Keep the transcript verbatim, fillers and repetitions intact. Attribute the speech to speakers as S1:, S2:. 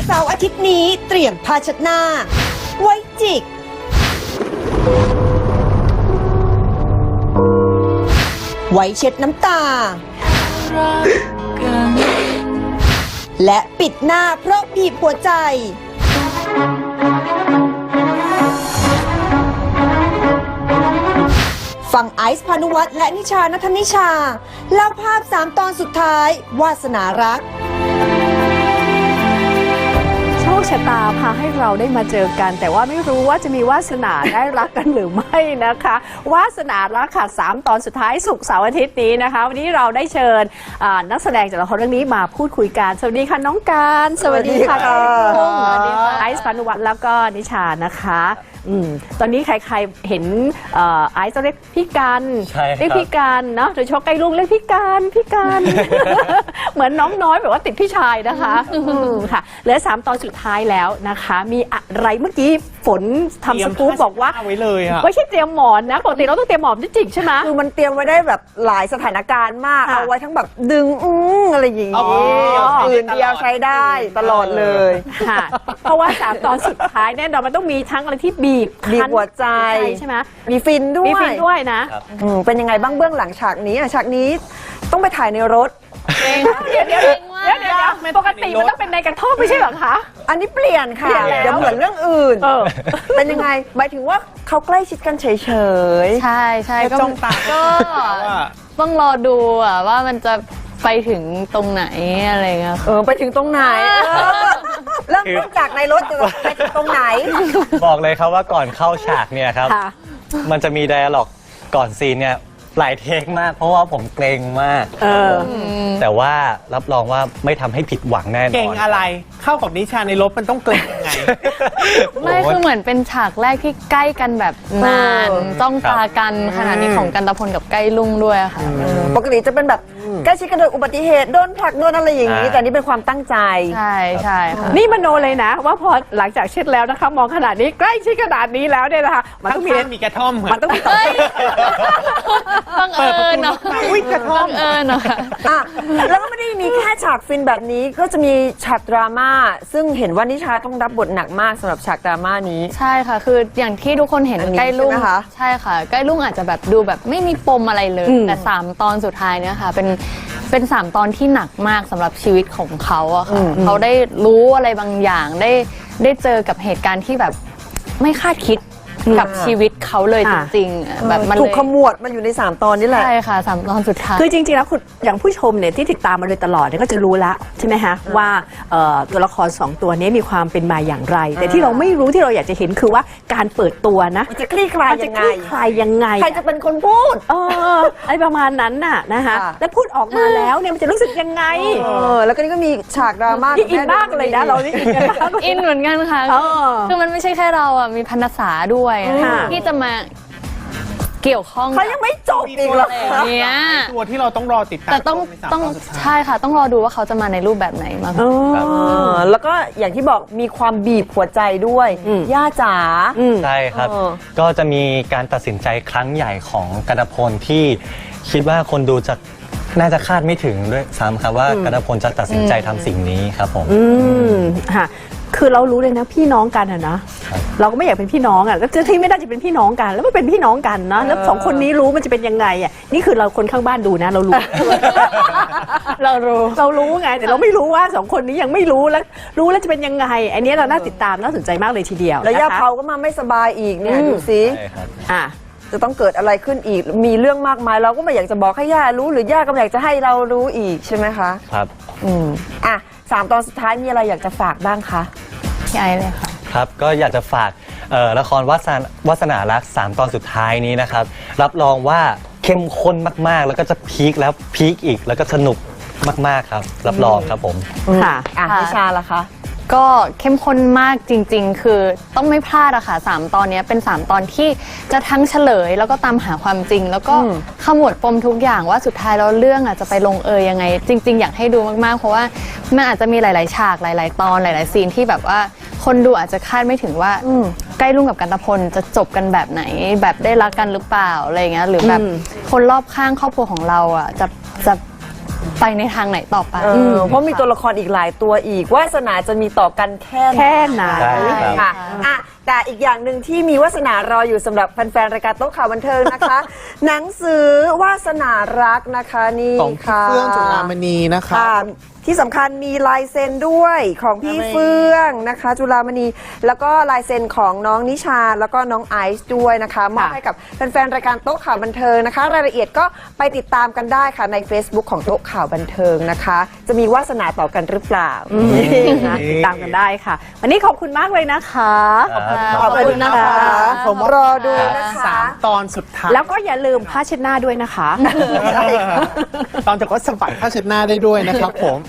S1: เสาร์อาทิตย์นี้เตรียมผ้าเช็ดหน้า ไว้จิก ไว้เช็ดน้ำตา และปิดหน้าเพราะบีบหัวใจ ฟังไอซ์พานุวัฒน์และนิชานัทนิชาเล่าภาพสามตอนสุดท้ายวาสนารัก
S2: โชคชะตาพาให้เราได้มาเจอกันแต่ว่าไม่รู้ว่าจะมีวาสนาได้รักกันหรือไม่นะคะวาสนารักค่ะสามตอนสุดท้ายศุกร์เสาร์อาทิตย์นี้นะคะวันนี้เราได้เชิญนักแสดงจากละครเรื่องนี้มาพูดคุยกันสวัสดีค่ะน้องการสวัสดีค่ะสวัสดีค่ะไอซ์พานุวัฒน์แล้วก็นิชานะคะอืมตอนนี้ใครๆเห็นไอซ์ต้องเรียกพี่กันเรียกพี่กันเนาะโดยเฉพาะใกล้ลุงเรียกพี่กันพี่กัน เหมือนน้องน้อยแบบว่าติดพี่ชายนะคะค่ะเหลือสามตอนสุดท้ายแล้วนะคะมีอะไรเมื่อกี้ฝนทำสกู๊ปบอกว่า
S3: ไว้เลยอะ
S2: ไม่ใช่เตรียมหมอนนะปกติเราต้องเตรียมหมอนจริงๆใช่ไหม
S4: คือมันเตรียมไว้ได้แบบหลายสถานการณ์มากเอาไว้ทั้งแบบดึงอื้ออะไรอย่างนี้อื่นเดียวใช้ได้ตลอดเลย
S2: ค่ะเพราะว่าสามตอนสุดท้ายแน่นอนมันต้องมีทั้งอะไรที่บีบ
S4: บีบหัวใจ
S2: ใช่ไหม
S4: มีฟินด้วย
S2: มีฟินด้วยนะ
S4: เป็นยังไงบ้างเบื้องหลังฉากนี้ฉากนี้ต้องไปถ่ายในรถ
S2: เดี๋ยวเดี๋ยวเดี๋ยวเดี๋ยวปกติมันต้องเป็นในกระท่อมไม่ใช่เหรอคะ
S4: อันนี้เปลี่ยนค่ะเดี๋ยวเหมือนเรื่องอื่นเป็นยังไงหมายถึงว่าเขาใกล้ชิดกันเฉยๆ
S5: ใช่ใช่ก็
S3: จ้องตา
S5: ก็ต้องรอดูอ่ะว่ามันจะไปถึงตรงไหนอะไรเงี้ย
S4: เออไปถึงตรงไหนเริ่มต้นจากในรถจะไปถึงตรงไหน
S3: บอกเลยครับว่าก่อนเข้าฉากเนี่ยครับมันจะมีไดอะล็อกก่อนซีนเนี่ยหลายเทคมากเพราะว่าผมเกรงมากแต่ว่ารับรองว่าไม่ทำให้ผิดหวังแน่นอน
S6: เกรงอะไรเข้ากับนิชาในรถมันต้องเกรงยังไง
S5: ไม่คือเหมือนเป็นฉากแรกที่ใกล้กันแบบนานจ้องตากันขนาดนี้ของกันตะพลกับใกล้ลุงด้วยค่ะ
S4: ปกติจะเป็นแบบใกล้ชิดกันโดยอุบัติเหตุโดนผลักโดนอะไรอย่างนี้แต่นี่เป็นความตั้งใจ
S5: ใช่ใช่ค่ะ
S2: นี่มโนเลยนะว่าพอหลังจากเช็ดแล้วนะคะมองขนาดนี้ใกล้ชิดขนาดนี้แล้วเนี่ยนะคะ
S6: มันต้องมีมีกระท่อม
S2: มันต้องมี
S5: บังเอิญเนาะ
S6: อุ้ยกระท่อม
S5: บังเอิญเนาะ
S4: แล้วก็ไม่ได้มีแค่ฉากฟินแบบนี้ก็จะมีฉากดราม่าซึ่งเห็นว่านิชาต้องรับบทหนักมากสำหรับฉากดราม่านี้
S5: ใช่ค่ะคืออย่างที่ทุกคนเห็นใกล้ลุงใช่ค่ะใกล้ลุงอาจจะแบบดูแบบไม่มีปมอะไรเลยแต่สามตอนสุดท้ายเนี่ยค่ะเป็นเป็นสามตอนที่หนักมากสำหรับชีวิตของเขาอะค่ะเขาได้รู้อะไรบางอย่างได้ได้เจอกับเหตุการณ์ที่แบบไม่คาดคิดกับชีวิตเขาเลยจริงๆแบบมัน
S4: ถูกขมวดมาอยู่ในสามตอนนี่แหละ
S5: ใช่ค่ะสามตอนสุดท้าย
S2: คือจริงๆแล้วคุณอย่างผู้ชมเนี่ยที่ติดตามมาโดยตลอดเนี่ยก็จะรู้แล้วใช่ไหมฮะว่าตัวละครสองตัวนี้มีความเป็นมาอย่างไรแต่ที่เราไม่รู้ที่เราอยากจะเห็นคือว่าการเปิดตัวนะ
S4: จะคลี่คลายยังไง
S2: คลายยังไง
S4: ใครจะเป็นคนพูด
S2: เอออะไรประมาณนั้นน่ะนะคะแล้วพูดออกมาแล้วเนี่ยมันจะรู้สึกยังไง
S4: เออแล้วก็นี่ก็มีฉากดราม่า
S2: อินมากเลยนะเรานี่
S5: อินเหมือนกันค่ะคือมันไม่ใช่แค่เราอ่ะมีพรรณษาด้วยที่จะมาเกี่ยวข้อง
S4: เขายังไม่จบอีกหรอ
S5: เนี่ย
S6: ตัวที่เราต้องรอติดตาม
S5: แต่ต้องต้องใช่ค่ะต้องรอดูว่าเขาจะมาในรูปแบบไหนมา
S4: แล้วก็อย่างที่บอกมีความบีบหัวใจด้วยย่าจ๋า
S3: ใช่ครับก็จะมีการตัดสินใจครั้งใหญ่ของกันตะพลที่คิดว่าคนดูจะน่าจะคาดไม่ถึงด้วยซ้ำครับว่ากันตะพลจะตัดสินใจทำสิ่งนี้ครับผม
S2: อืมค่ะคือเรารู้เลยนะพี่น้องกันอะนะเราก็ไม่อยากเป็นพี่น้องอะแล้วที่ไม่ได้จะเป็นพี่น้องกันแล้วไม่เป็นพี่น้องกันนะแล้วสองคนนี้รู้มันจะเป็นยังไงอะนี่คือเราคนข้างบ้านดูนะเรารู้เรารู้เรารู้ไงแต่เราไม่รู้ว่าสองคนนี้ยังไม่รู้แล้วรู้แล้วจะเป็นยังไงอันนี้เราน่าติดตามน่าสนใจมากเลยทีเดียว
S4: แล้วย่าเผาก็มาไม่สบายอีกเนี่ยดูสิอ่ะจะต้องเกิดอะไรขึ้นอีกมีเรื่องมากมายเราก็ไม่อยากจะบอกให้ย่ารู้หรือย่าก็ไม่อยากจะให้เรารู้อีกใช่ไหมคะ
S3: ครับ
S4: อืมอ่ะสามตอนสุดท้ายมีอะไรอยากจะฝากบ้างคะ
S5: พี่ไอเลยค่ะ
S3: ครับก็อยากจะฝากละครวาสนาวาสนารักสามตอนสุดท้ายนี้นะครับรับรองว่าเข้มข้นมากๆแล้วก็จะพีคแล้วพีคอีกแล้วก็สนุกมากๆครับรับรองครับผม
S4: ค่ะอ่ะนิชาล่ะคะ
S5: ก็เข้มข้นมากจริงๆคือต้องไม่พลาดอะค่ะสามตอนนี้เป็นสามตอนที่จะทั้งเฉลยแล้วก็ตามหาความจริงแล้วก็ขมวดปมทุกอย่างว่าสุดท้ายแล้วเรื่องอะจะไปลงเอยยังไงจริงๆอยากให้ดูมากๆเพราะว่ามันอาจจะมีหลายๆฉากหลายๆตอนหลายๆซีนที่แบบว่าคนดูอาจจะคาดไม่ถึงว่าใกล้ลุงกับกันตะพลจะจบกันแบบไหนแบบได้รักกันหรือเปล่าอะไรเงี้ยหรือแบบคนรอบข้างครอบครัวของเราอะจะจะไปในทางไหนต่อไป
S4: เออเพราะมีตัวละครอีกหลายตัวอีกวาสนาจะมีต่อกันแค่
S2: แค่ไหน
S3: ใช่ครับ
S4: ค่ะอ่ะแต่อีกอย่างหนึ่งที่มีวาสนารออยู่สำหรับแฟนๆรายการโต๊ะข่าวบันเทิงนะคะ หนังสือวาสนารักนะคะนี่
S6: ของพี่
S4: ค่ะ
S6: เฟื่องจุฬามณีนะคะ
S4: ค่ะที่สำคัญมีลายเซ็นด้วยของพี่เฟื่องนะคะ จุฬามณีแล้วก็ลายเซ็นของน้องนิชาแล้วก็น้องไอซ์ด้วยนะคะมอบให้กับแฟนๆรายการโต๊ะข่าวบันเทิงนะคะ รายละเอียดก็ไปติดตามกันได้ค่ะใน Facebook ของโต๊ะข่าวบันเทิงนะคะ จะมีวาสนาต่อกันหรือเปล่า
S2: นะติดตามกันได้ค่ะ วันนี้ขอบคุณมากเลยนะคะ
S3: ขอบคุณ
S4: ขอบคุณนะคะ
S6: ผมว่าร
S4: อดูนะคะ
S6: สามตอนสุดท้าย
S2: แล้วก็อย่าลืมผ้าเช็ดหน้าด้วยนะคะ
S6: ตอนจากก็สะบัดผ้าเช็ดหน้าได้ด้วยนะครับผม